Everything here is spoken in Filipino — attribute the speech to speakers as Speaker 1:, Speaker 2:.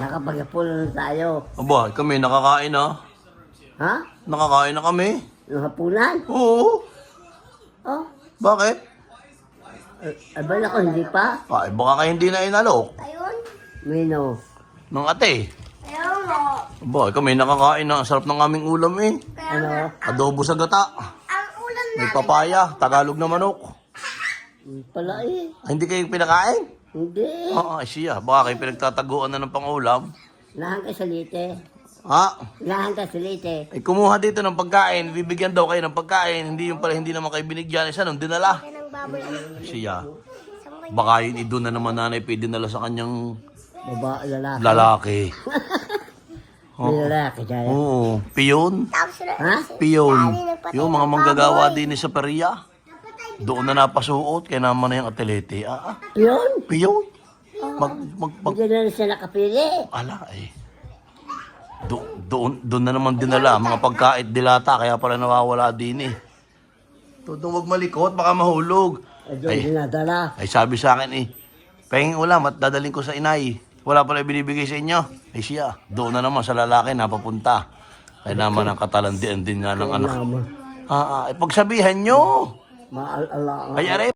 Speaker 1: Nakapag-apol na tayo.
Speaker 2: Aba, kami nakakain na.
Speaker 1: Ha?
Speaker 2: Nakakain na kami.
Speaker 1: Yung hapunan?
Speaker 2: Oo.
Speaker 1: Oh,
Speaker 2: Bakit?
Speaker 1: abal ako, hindi pa.
Speaker 2: Ay, baka kayo hindi na inalok.
Speaker 3: Ayun.
Speaker 1: Mino.
Speaker 2: Ng ate.
Speaker 3: Ayun mo.
Speaker 2: Aba, kami nakakain na. Ang sarap ng aming ulam eh.
Speaker 1: Ano?
Speaker 2: Adobo sa gata.
Speaker 3: Ang ulam
Speaker 2: May papaya. Tagalog na manok.
Speaker 1: Pala eh.
Speaker 2: Ay, hindi kayo pinakain?
Speaker 1: Hindi.
Speaker 2: Oo, ay siya. Baka kayo pinagtataguan na ng pangulam.
Speaker 1: Lahan ka sa lite.
Speaker 2: Ha?
Speaker 1: Lahan ka sa lite.
Speaker 2: Ay, kumuha dito ng pagkain. Bibigyan daw kayo ng pagkain. Hindi yung pala, hindi naman kayo binigyan. Isa nung dinala.
Speaker 3: ng baboy.
Speaker 2: Ay, siya. Baka yun, doon na naman nanay dinala sa kanyang
Speaker 1: Babae, lalaki.
Speaker 2: lalaki.
Speaker 1: May lalaki dyan.
Speaker 2: Oo, piyon.
Speaker 3: Tapos sila.
Speaker 1: Ha?
Speaker 2: Piyon. Yung mga manggagawa din sa Peria. Doon na napasuot, kaya naman na yung atlete.
Speaker 1: Yun.
Speaker 2: Piyon.
Speaker 1: Hindi na rin siya nakapili.
Speaker 2: Ala eh. Doon na naman dinala, mga pagkait dilata, kaya pala nawawala din eh. Doon wag malikot, baka mahulog.
Speaker 1: Doon dinadala.
Speaker 2: Ay sabi sa akin eh, pahingin ulam at dadaling ko sa inay. Wala pala binibigay sa inyo. Ay siya, doon na naman sa lalaki napapunta. Kaya naman ang katalandian din nga ng anak.
Speaker 1: Naman.
Speaker 2: Pagsabihan nyo.
Speaker 1: Maalala.
Speaker 2: Ay, aray.